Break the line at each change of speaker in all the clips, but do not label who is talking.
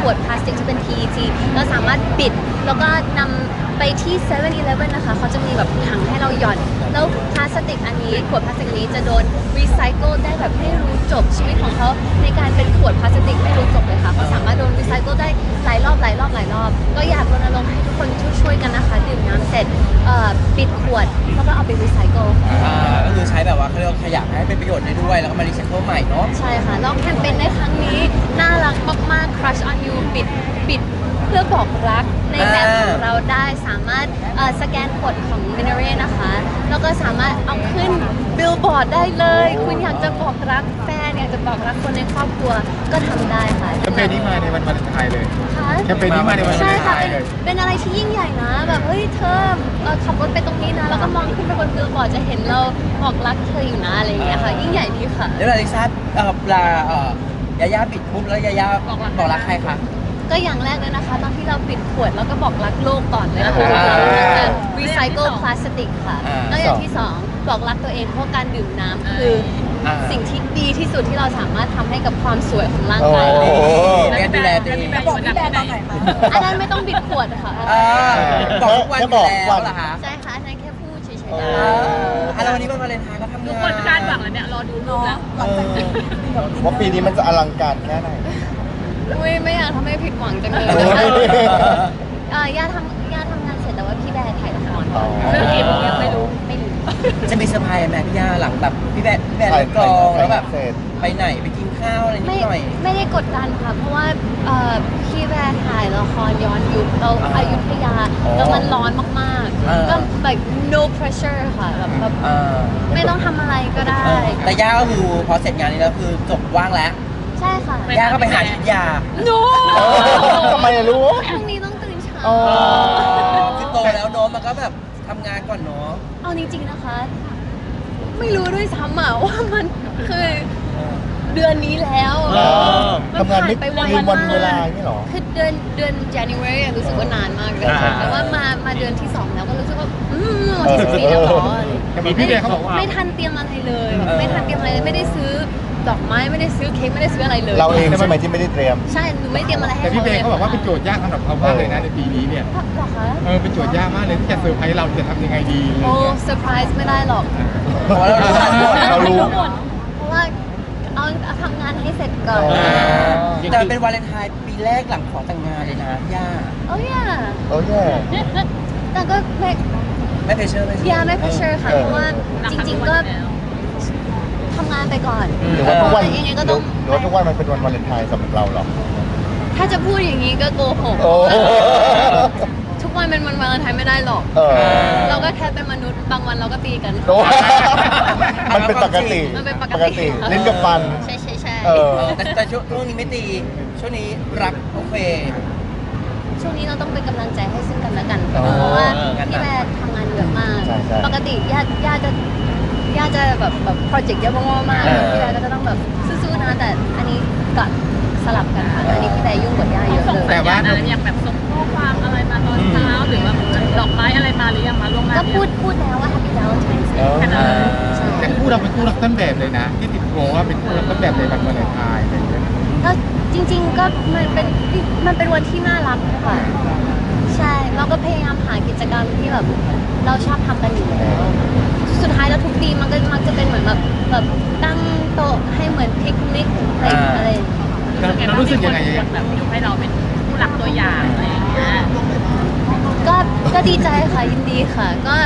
วดพลาสติกที่เป็น PET เราสามารถบิดแล้วก็นำไปที่ 7-Eleven นะคะเขาจะมีแบบถังให้เราหย่อนแล้วพลาสติกอันนี้ขวดพลาสติกนี้จะโดนรีไซเคิลได้แบบไม่รู้จบชีวิตของเขาในการเป็นขวดพลาสติกไม่รู้จบเลยค่ะเขาสามารถโดนรีไซเคิลได้หลายรอบก็อยากรณรงค์ให้ทุกคนช่วยกันนะคะดื่มน้ำเสร็จปิดขวดแล้วก็เอาไปรีไซเคิล
ก็คือใช้แบบว่าเขาเรียกว่าขยะให้เป็นประโยชน์ได้ด้วยแล้วก็มารีไซเคิลใหม่เนาะ
ใช่ค่ะแล้วแคมเปญในครั้งนี้น่ารักมากๆ Crush on You ปิดเพื่อบอกรักในแบบของเราได้สามารถสแกนกดของ Minare นะคะแล้วก็สามารถเอาขึ้นบิลบอร์ดได้เลยคุณอยากจะบอกรักแฟนอยากจะบอกรักคนในครอบครัวก็ทำได้ค่ะ
แคมเปญนี้มาในวันวาเลนไทน์เลย
ค่ะ
แคมเปญนี้มาในวันวาเลนไทน์เลย
เป็นอะไรที่ยิ่งใหญ่นะแบบเฮ้ยเธอขับรถไปตรงนี้นะแล้วก็มองขึ้นไปบนบิลบอร์ดจะเห็นเราบอกรักเธออยู่นะอะไรอย่างเงี้ยค่ะยิ่งใหญ่ดีค่ะ
แล้วลิซ่ายาย่าปิดปุ๊บแล้วยาย่าบอกรักใครคะ
ก็อย่างแรกเลยนะคะตอนที่เราปิดขวดแล้วก็บอกรักโลกก่อนเลยนะคะเราจะรีไซเคิลพลาสติกค่ะแล้วอย่างที่สองบอกรักตัวเองเพราะการดื่มน้ำคือสิ่งที่ดีที่สุดที่เราสามารถทำให้กับความสวยของร่างกายเรา
การดูแลตัวเอง
บอกพี่แบร์ตอนไหนคะ
อันนั้นไม่ต้องบิดขวดค่ะ
บอกทุกวันอยู่แล้วเหรอคะ
ใช่ค่ะอันนั้นแค่พูดเฉยๆ
แล้ววันนี้วันวาเลนไทน์ก็ทำงาน
ทุกคนคาดหวังแล้วเนี่ยรอดูรูปแล้ว
ว่าปีนี้มันจะอลังการแค่ไหน
ไม่อยากทำให้ผิดหวังจังเลยย่าทำงานเสร็จแต่ว่าพี่แบร์ถ่ายละคร
เรื่องกี่โมงยังไม่รู้
จะมีเซอร์ไพรส์ไหมพี่ย่าหลังแบบพี่แบร์เลิกกองแล้วแบบไปไหนไปกินข้าวอะไรนิดหน่อย
ไม่ได้กดดันค่ะเพราะว่าพี่แบร์ถ่ายละครย้อนยุคเราอยุธยาแล้วมันร้อนมากๆก็แบบ no pressure ค่ะแบบไม่ต้องทำอะไรก็ได้
แต่ย่าก็คือพอเสร็จงานนี้แล้วคือจบว่างแล้ว
ใช่ค่ะ
ย่าก็ไปหายุทธยา
โน้
ทำไมรู้
พรุ่งนี้ต้องตื่นเช้า
คือโตแล้วเนาะมันก็แบบทำงานก่อนเนาะ
เอาจริงๆนะคะไม่รู้ด้วยซ้ำว่ามันคือเดือนนี้แล้ว
ทำงานไม่ไปวันเวลาไม่หรอ
คือเดือน January รู้สึกว่านานมากเลยแต่ว่ามาเดือนที่2แล้วก็รู้สึกว่าวันที่14แล้วหรอ
พี่เบย์เขาบอกว่า
ไม่ทันเตรียมอะไรเลยแบบไม่ทันเตรียมอะไรเลยไม่ได้ซื้อดอกไม้ไม่ได้ซื้อเค้กไม่ได้ซื้ออะไรเลย
เราเองใช่ไหมที่ไม่ได้เตรียม
ใช่หนูไม่เตรียมอะไรให้
แต่พี่เบย์เขาบอกว่าเป็นโจทย์ยากสำหรับเขามากเลยนะในปีนี้เนี่ย
หรอคะ
เป็นโจทย์ยากมากเลยที่จะเซอร์ไพรส์เราจะทำยังไงดี
โอ้เซอร์ไพรส์ไม่ได้หรอก
เรารู้
เพราะว่าเอาทำงานให้เสร็จก่อน
แต่เป็นวาเลนไทน์ปีแรกหลังขอแต่งงานเลยนะย่า
โอ้ยแต่ก็
ไม่เพรสเชอร์
ไม่เพรสเชอร์ค่ะเพราะว่าจริงๆก็ทำงานไปก่อน
หรือว่าทุกวัน
ยังไงก็ต้อง
หรือว่าทุกวันมันเป็นวันวาเลนไทน์สำหรับเราหรอ
ถ้าจะพูดอย่างนี้ก็โกหกทุกวันเป็นวันวาเลนไทน์ไม่ได้หรอกเราก็แค่เป็นมนุษย์บางวันเราก็ตีกัน
มันเป็นปกติเล่นกับฟัน
ใช่
แต่ช่วงนี้ไม่ตีช่วงนี้รักโอเค
ช่วงนี้เราต้องเป็นกำลังใจให้ซึ่งกันและกันเพราะว่าพี่แม่ทำงานเยอะมากปกติย่าจะแบบโปรเจกต์เยอะมากๆพี่แม่ก็จะต้องแบบสู้ๆนะแต่อันนี้ก็สลับกันค่ะอันนี้พี่แม่ยุ่งกว่าย่าเยอะเลย
แต่ว่าอย่างแบบส่งข้อความอะไรมาตอนเช้าหรือว่าดอกไม้อะไรมาหรือยังมาลงมา
ก็พูดแล้วว่า Happy Valentine's Day
แต่คู่เราเป็นคู่รักต้นแบบเลยนะที่ติดโผว่าเป็นคู่รักต้นแบบในวันวาเลนไทน์อะไรอย่างเงี้ย
ก็จริงๆก็มันเป็นวันที่น่ารักค่ะใช่เราก็พยายามหากิจกรรมที่แบบเราชอบทำกันอยู่แล้วสุดท้ายแล้วทุกปีมันก็มักจะเป็นเหมือนแบบตั้งโต๊ะให้เหมือนพิกนิกอะไร
เรารู้สึกยังไง
แบบยกให้เราเป็นผู้รักตัวอย่างอะไรอย่างเงี้ย
ก็ดีใจค่ะยินดีค่ะก็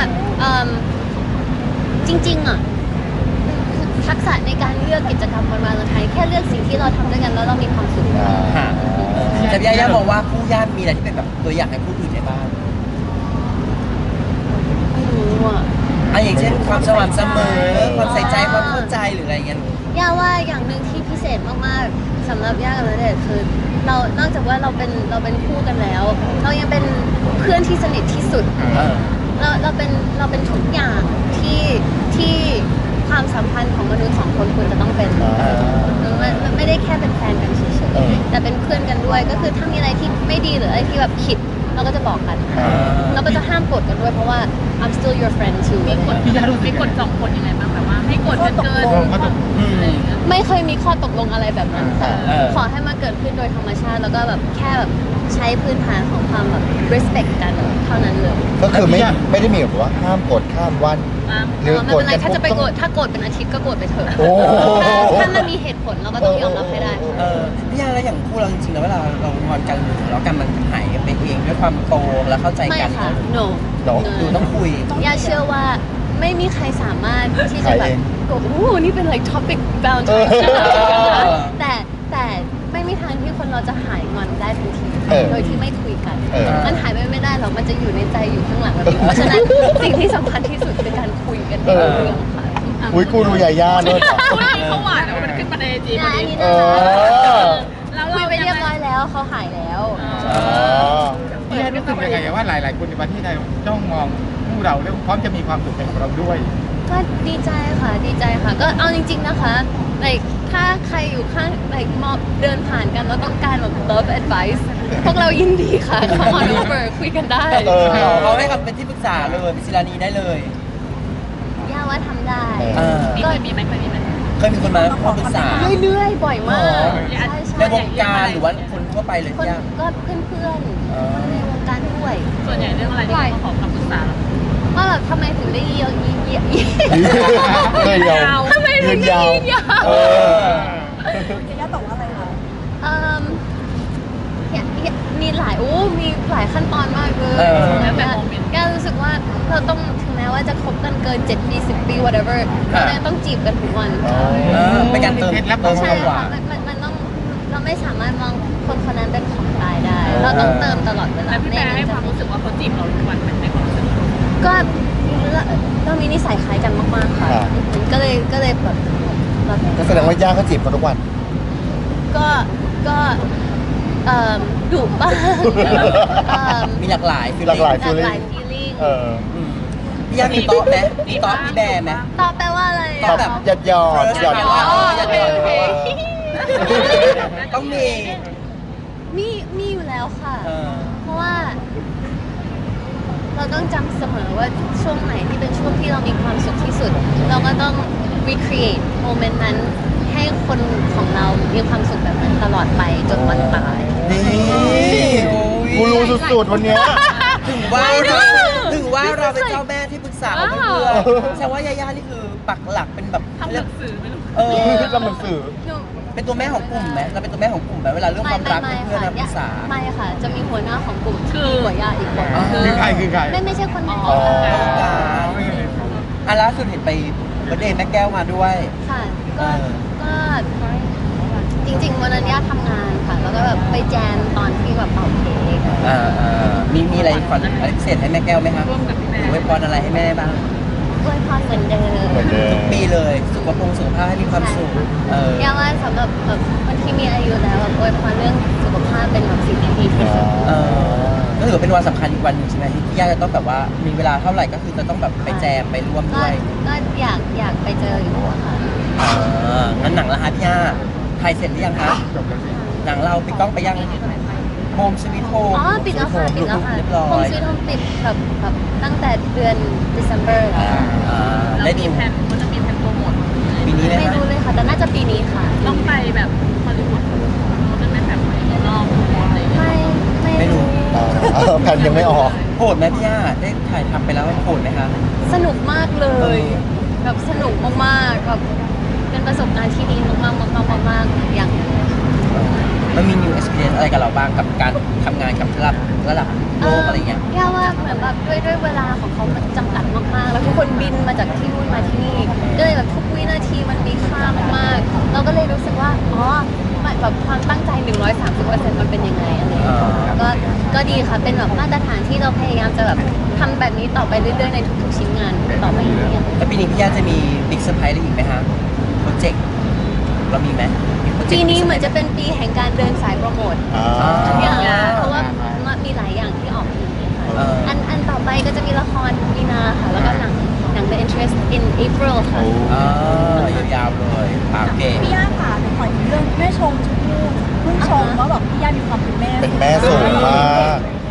จริงๆทักษะในการเลือกกิจกรรมวันวาเลนไทน์แค่เลือกสิ่งที่เราทำด้วยกันแล้วเรามีความสุข
แต่ย่าบอกว่าคู่ย่ามีอะไรที่เป็นแบบตัวอย่างให้ผู้อื่นได้บ้าง
ไม่รู้
อย่างเช่นความสม่ำเสมอความใส่ใจความเข้าใจหรืออะไรเงี้ย
ย่าว่าอย่างหนึ่งที่พิเศษมากๆสำหรับย่ากับณเดชน์คือเรานอกจากว่าเราเป็นคู่กันแล้วเรายังเป็นเพื่อนที่สนิทที่สุดเราเป็นทุกอย่างที่ความสัมพันธ์ของมนุษย์2 คนควรจะต้องเป็นมันไม่ได้แค่เป็นแฟนกันเฉยๆแต่เป็นเพื่อนกันด้วยก็คือถ้ามีอะไรที่ไม่ดีหรืออะไรที่แบบผิดเราก็จะบอกกันเราก็จะห้ามกดกันด้วยเพราะว่า I'm still your friend too
มีกฎมีกฎสองคนยังไงบ้างแบบว่าให้กดเกิน
เขาต้อง
อะไรอย่างเงี้ย
ไม่เคยมีข้อตกลงอะไรแบบนั้นค่ะ
เออ
ขอให้มันเกิดขึ้นโดยธรรมชาติ แล้วก็แบบแค่แบบใช้พื้นฐานของความแบบ respect กันเท่านั้นเลย
ก็คือไม่ได้มีแบบว่าห้ามกดข้ามวันหรือ
ไม่
กด
เป็นไร
กัน
ถ้าจะไป
ปุ๊บ
โกรธถ้าโกรธเป็นอาทิตย์ก็โกรธไปเถอะ
โอ้
ถ้ามันมีเหตุผลเราก็ต้องยอมรับให้ได้
พี่ย่าแล้วอย่างคู่เราจริงๆแล้วเวลาเรางอนกันหรือทะเลาะกันมันหายไปเองด้วยความโตและเข้าใจ
ไม่
กัน
ค่ะ no
ดูต้องคุย
ย่าเชื่อว่าไม่มีใครสามารถที่จะ
ขาย
แบ
เอบ ง
โอ้โหนี่เป็น like topic bound
เออ
แต่ไม่มีทางที่คนเราจะหายงอนได้ทันที
เออ
โดยที่ไม่คุยกัน
เออ
มันหายไปไม่ได้หรอกมันจะอยู่ในใจอยู่ข้างหลังแบบนี้เพราะฉะนั้นสิ่งที่สำคัญที่สุดคือการคุยกันให้รู้เรื่องค่ะ
อุ้ยกูดูใหญ่ย่าด้วยจ้ะ
วันนี้เขาหวานแล้วมันขึ้นมาในจี
อันนี้
เอ
นะ
อ
แล้ว
คุ
เรา
ยไปเรียบร้อยแล้วเขาหายแล้ว
พี่ย่ารู้สึกยังไงว่าหลายๆคนในประเทศไทยจ้องมองคู่เราแล้วพร้อมจะมีความสุขไปกับเราด้วย
ก็ดีใจค่ะดีใจค่ะ ก็เอาจริง ๆนะคะ like ถ้าใครอยู่ข้าง like มองเดินผ่านกันแล้วต้องการแบบ love advice พวกเรายินดีค่ะ come on over คุยกันได้
เออ
เขาให้คำเป็นที่ปรึกษาเลยเป็นศิลานีได้เลย
ย่าว่าทำได้
เออ
มีเคยมีไหมเคยมีไหม
เคยมีคนมาขอปรึกษา
เรื่อยๆ บ่อยมาก ใช่
ในว
ใช่
งการหรือว่าคนทั่วไปเลย
คน
พี่ย่า
ก็เพื่อนๆคนในวงการด้วย
ส่วนใหญ่เรื่องอะไรที่เขามาขอคำปรึกษา
ว่าแบบทำไมถึงได้เยอะเยอะ
เลยยาว
ทำไมถึงได้เยอะ
เออ
มีหลายมีหลายขั้นตอนมากเลย
แล้วแต่โมเมนต์
แกรู้สึกว่าเราต้องถึงแม้ว่าจะคบกันเกิน7 ปี 10 ปี whatever เรายังต้องจีบกันทุกวัน
เป็นการเติม
ใช่
หวา
ค่ะ
น
มันต้องเราไม่สามารถมองคนคนนั้นเป็นของตายได้ เราต้องเติมตลอดเวลา
แล้วพี่แปรให้ความรู้สึกว่าเขาจีบเราทุกวันเป็นในความรู้สึก
ก็เรามีนิสัยคล้ายกันมากๆค่ะ
ครับ
ก็เลยแบบ
ก็แสดงว่าย่าเขาจีบเขาทุกวัน
ก็ดุบ้าง
มีหลากหลายฟีล
หลากหลาย
หลากหลาย feeling
เออ
พี่ย่ามีโต๊ะไหมมีโต๊ะมีแบร์ไหม
ตอบแปลว่าอะไร
ตอบ
อะ
หยอดหยอดหยอด
อ๋อ
โอเคโอเค ต้องมี
มีอยู่แล้วค่ะ
เออ
เพราะว่า เราต้องจำเสมอว่าช่วงไหนที่เป็นช่วงที่เรามีความสุขที่สุด เราก็ต้อง recreate โมเมนต์นั้นให้คนของเรามีความสุขแบบนั้นตลอดไปจนวันตาย
นี่
กูรู้สุดๆวันเนี้ย
ถึงว่าเราเป็นเจ้าแม่ที่ปรึกษาของเพื่อนๆแสดงว่ายาย่านี่คือปักหลักเป็นแบบ
ทำหนังสือไม่รู้
เออ
ทำหนังสือ
หนู
เป็นตัวแม่ของกลุ่มไหมเราเป็นตัวแม่ของกลุ่มไหมเวลาเรื่องความรักเพื่อนๆมาปรึกษา
ไม่ค่ะ จะมีหัวหน้าของกลุ่มที่ดีกว่าย่าอีกคน
อ๋อ
คือใครคือใคร
ไม่ใช่คนใน
อ๋อ
อ่ะล่าสุดเห็นไปเบอร์ธเดย์แม่แก้วมาด้วย
ค่ะก็จริงๆวันนั้นย่าทำงานค่ะ แล้วก็แบบไปแจมตอนที่แบบเป่าเค้ก
มีอะไรขวัญอะไรพิเศษให้แม่แก้วไหมครับ
ร่วมกับพี่แปร
หรือไว้พรอะไรให้แม่บ้าง
อวยพรเหมือนเดิม
เหมือนเดิม
ทุกปีเลยสุขภาพให้มีความสุข
ย่าว่าสำหรับแบบคนที่มีอายุแล้วแบบอวยพรเรื่องสุขภาพเป็นแบบสิ่งที่ดีที่สุด
ก็ถือว่าเป็นวันสำคัญอีกวันหนึงใช่ไหมที่ย่าจะต้องแบบว่ามีเวลาเท่าไหร่ก็คือจะต้องแบบไปแจมไปร่วม
ก็
ด้วย
อยากไปเจออยู่อะค่ะ
งั้นหนังละฮะพี่ย่าถ่ายเสร็จหรือยังคะ
จบแล้วสิ
หนังเราปิดกล้องไปยังโฮมสวีทโฮม
อ๋อปิดแล้วค่ะปิดแล้วค่ะ
เรียบร้อ
โฮม
ย
สวีทโฮมปิดแบบตั้งแต่เดือน December แล้ว
เรา
ได้
มี
ดู
แผนมันจะมีแผนโปรโมท
ปีนี้ไหม
ไม่
คะ
รู้เลยค่ะ แต่น่าจะปีนี้ค่ะ
ต้องไปแบบฮอลลีวูดมันเป็นแบบรอบอะไรอย่างเงี้ย
ไม่รู้
แผ่นยังไม่ออก
โหดไหมพี่ย่าได้ถ่ายทำไปแล้วโหดไหมคะ
สนุกมากเลยแบบสนุกมากๆแบบเป็นประสบการณ์ที่ดีมากๆอย่าง
มันมี new experience อะไรกับเราบ้างกับการทำงานกับระดับโลกอะไรเงี้ย
ย่าว่าเหมือนแบบด้วยเวลาของเขามันจำกัดมากๆ แล้วทุกคนบินมาจากที่นู่นมาที่นี่ก็เลยแบบทุกวินาทีมันมีค่ามากๆเราก็เลยรู้สึกว่าอ๋อแบบความตั้งใจ 130%มันเป็นยังไงอะไรอย่างเงี้ยก็ดีค่ะเป็นแบบมาตรฐานที่เราพยายามจะแบบทำแบบนี้ต่อไปเรื่อยๆในทุกๆชิ้นงานต่อไปเรื่อยๆ
แล้วปีนี้พี่ย่าจะมีบิ๊กเซอร์ไพรส์อะไรอีกไหมฮะโปรเจกต์เรามีไหมมีโปรเจกต์
ปีนี้เหมือนจะเป็นปีแห่งการเดินสายโปรโมท ทุกอย่างเพราะว่ามีหลายอย่างที่ออกปีนี้ค่ะ อันต่อไปก็จะมีละครมีนาค่ะ แล้วก็หนัง The Interest in April ค่ะ
ยาวๆเลยโอเค
พี่ย่าค่ะหนูขอถึงเรื่องแม่ชมชมพู่เพิ่งชมว่าแบบพี่ย่ามีความเป็นแม่
เป็นแม่สูงมาก
ด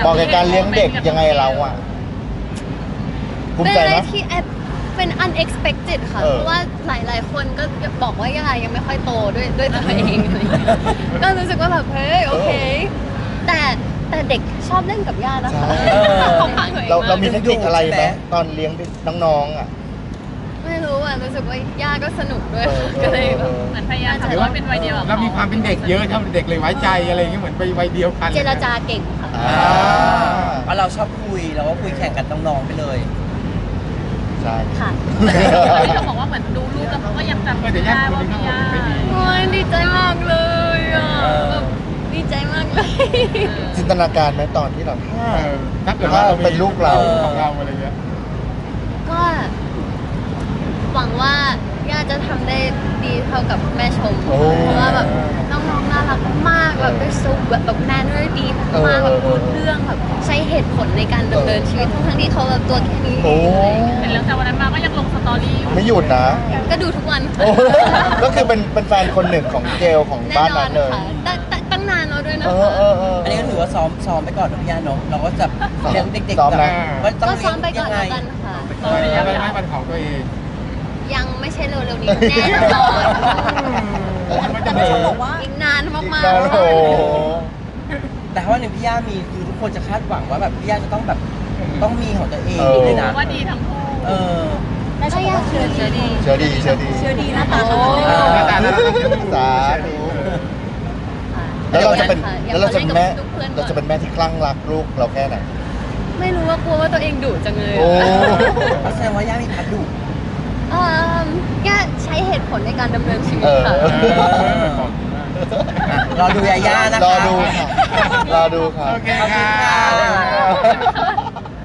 บอกกับการเลี้ยงเด็กยังไงเราอ่ะภูมิ
เป็น
ใจ
อะไร
ไหม
ที่แอบเป็น unexpected ค่ะ
เออ
เพราะว่าหลายๆ คนก็บอกว่าย่ายังไม่ค่อยโตด้วยตัวเองอะไรอย่างเงี้ยก็รู้สึกว่าแบบเฮ้ยโอเค แต่เด็กชอบเล่นกับย่านะคะ
ใช่
เขาพังตัวเอง
เรา
มาก
มีเทคนิคอะไรไหมตอนเลี้ยงน้องๆอ่ะ
ไม่รู้อ่ะรู้สึกว่าย่าก็สนุกด้วย
เออ
ก็เลยแบบ
เหมือนพยายามทำให้ว่าเป็นวัยเดียวกับ
เรามีความเป็นเด็กเยอะทำเด็กเลยไว้ใจอะไรอย่างเงี้ยเหมือนไปวัยเดียวกัน
เจรจาเก่งค่ะ
อ่า
เพราะเราชอบคุยเราก็คุยแข่งกับน้องๆไปเลย
ใช่
ค่ะ
ที่เขาบอกว่าเหมือนดูลูกแล้วเขาก็ยังจำ
เออเดี๋ยวย่าคน
ว่า
นี้
พี่
เขา
ย่า
ไม่ดี
โอ้ยดีใจมากเลยอ่ะ
เออ
แบบดีใจมากเลย
จินตนาการไหมตอนที่เรา
ถ้าเกิดว่าเรามี
เป็นลูกเรา
ของเราอะไรเงี้ย
ก็หวังว่าย่าจะทำได้ดีเท่ากับแม่ชม
โอ้
เพราะว่าแบบน้องๆน่ารักมากแบบเป็นซุปแบบแมนเนอร์ดีมากแบบพูดเรื่องแบบใช้เหตุผลในการดำเนินชีวิตทั้งที่เขาแบบตัวแค่นี้
โอ้
เห็นแล้วแต่วันนั้นมาก็ยังลงสตอรี่อยู่
ไม่หยุดนะ
ก็ดูทุกวัน
โอ้ก็คือเป็นแฟนคนหนึ่งของเกลของ
แน่
บ้าน
นอ
นั้น นเลย
ค่ะตั้งนานแล้วด้วยนะ
เอ
คะ
อ
อันนี้ก็ถือว่าซ้อมไปก่อนนะพี่ย่าเนาะเราก็จะเลี้ยงเด็ก
ซ้อม
ๆแบบ
นะ
ว่าต้อง
ก็
เลี้
ซ้
ย
อง มไปก่อน
ยังไง
แล้วกันค่ะ
อะไรอะไรไม่เป็นของตัวเอง
ยังไม่ใช่เร็วๆนี้แน่นอน
มันจะ
แต่
เดิ
เขา
น
บอกว่า
อีกนานมาก
โอ้โห
แต่ถ้าวันหนึ่งพี่ย่ามีคือทุกคนจะคาดหวังว่าแบบพี่ย่าจะต้องแบบต้องมีของตัวเอง
เออ
เลยนะ
ว่าดีทั้งคู่
เออ
แม่ชมบอกว่าเชื่อดี
เชื่อดี
เชื่อดีหน้าตาเขา
เออ
หน้าตาน่ารัก
สาธุ
ค่ะ
แล้วเราจะเป็น
อย่า
แล้วเราจะเป็นแม่
ล่กับพื่อนๆก่
เรา
อน
จะเป็นแม่ที่คลั่งรักลูกเราแค่ไหน
ไม่รู้ว่ากลัวว่าตัวเองดุจังเลย
โอ้
แสดงว่าย่ามีพัดดุ
ย่าใช้เหตุผลในการดำเนินชีวิต
เออ
ค่ะ
รอดูยาย่านะคะ
รอดูค่ะ รอดูค่ะ
โอเคค่ะ
ขอบคุณค่ะ